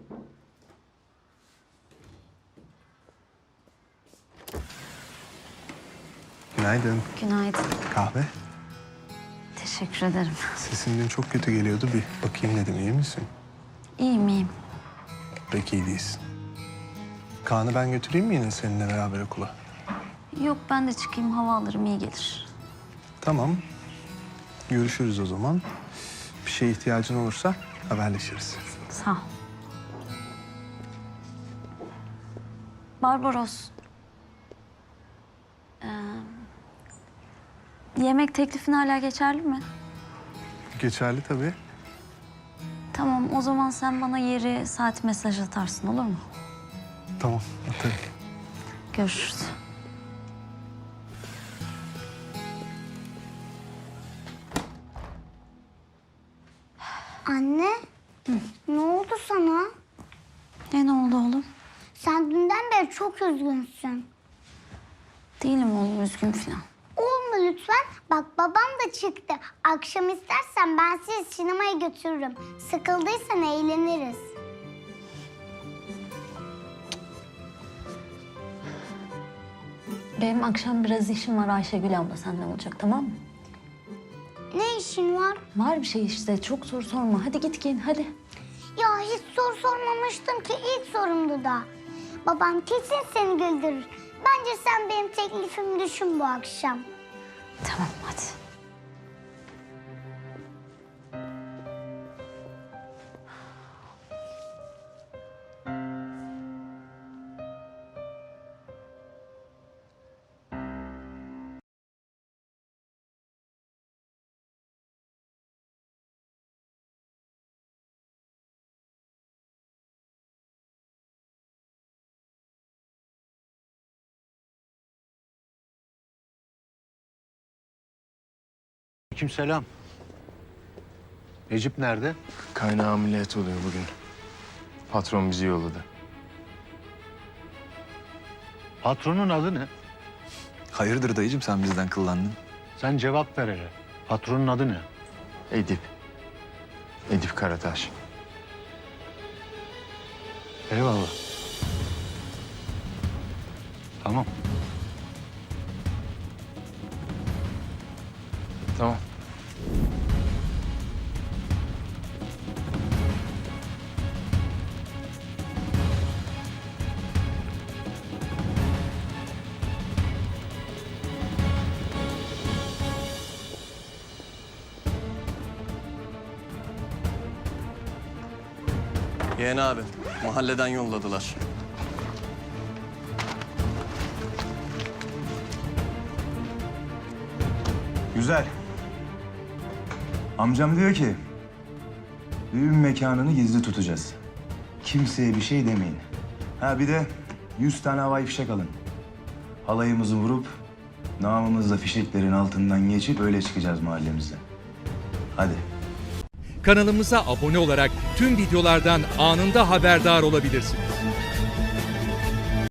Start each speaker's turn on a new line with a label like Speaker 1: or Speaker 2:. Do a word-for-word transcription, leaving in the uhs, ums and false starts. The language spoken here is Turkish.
Speaker 1: Günaydın.
Speaker 2: Günaydın.
Speaker 1: Kahve?
Speaker 2: Teşekkür ederim.
Speaker 1: Sesin dün çok kötü geliyordu. Bir bakayım dedim. İyi misin?
Speaker 2: İyiyim, iyiyim.
Speaker 1: Pek iyi değilsin. Kaan'ı ben götüreyim mi yine seninle beraber okula?
Speaker 2: Yok, ben de çıkayım, hava alırım, iyi gelir.
Speaker 1: Tamam. Görüşürüz o zaman. Bir şeye ihtiyacın olursa haberleşiriz.
Speaker 2: Sağ ol. Barbaros. Ee, yemek teklifin hala geçerli mi?
Speaker 1: Geçerli tabii.
Speaker 2: Tamam, o zaman sen bana yeri, saat mesaj atarsın, olur mu?
Speaker 1: Tamam, atarım.
Speaker 2: Görüşürüz.
Speaker 3: Anne, Hı. ne oldu sana?
Speaker 2: Ne, ne oldu oğlum?
Speaker 3: Sen dünden beri çok üzgünsün.
Speaker 2: Değilim oğlum, üzgün falan.
Speaker 3: Olma lütfen. Bak babam da çıktı. Akşam istersen ben sizi sinemaya götürürüm. Sıkıldıysan eğleniriz.
Speaker 2: Benim akşam biraz işim var, Ayşegül abla senden olacak, tamam mı?
Speaker 3: Ne işin var?
Speaker 2: Var bir şey işte, çok soru sorma. Hadi git giyin, hadi.
Speaker 3: Ya hiç soru sormamıştım ki ilk sorumdu da. Babam kesin seni güldürür. Bence sen benim teklifimi düşün bu akşam.
Speaker 2: Tamam, hadi.
Speaker 4: Aleykümselam. Necip nerede?
Speaker 5: Kaynağı ameliyat oluyor bugün. Patron bizi yolladı.
Speaker 4: Patronun adı ne?
Speaker 6: Hayırdır dayıcığım sen bizden kıllandın?
Speaker 4: Sen cevap ver hele. Patronun adı ne?
Speaker 5: Edip. Edip Karataş.
Speaker 4: Eyvallah. Tamam.
Speaker 5: Tamam.
Speaker 6: Yeğen abi, mahalleden yolladılar.
Speaker 7: Güzel. Amcam diyor ki, düğün mekanını gizli tutacağız. Kimseye bir şey demeyin. Ha bir de yüz tane havai fişek alın. Halayımızı vurup, namımızla fişeklerin altından geçip öyle çıkacağız mahallemizden. Hadi.
Speaker 8: Kanalımıza abone olarak tüm videolardan anında haberdar olabilirsiniz.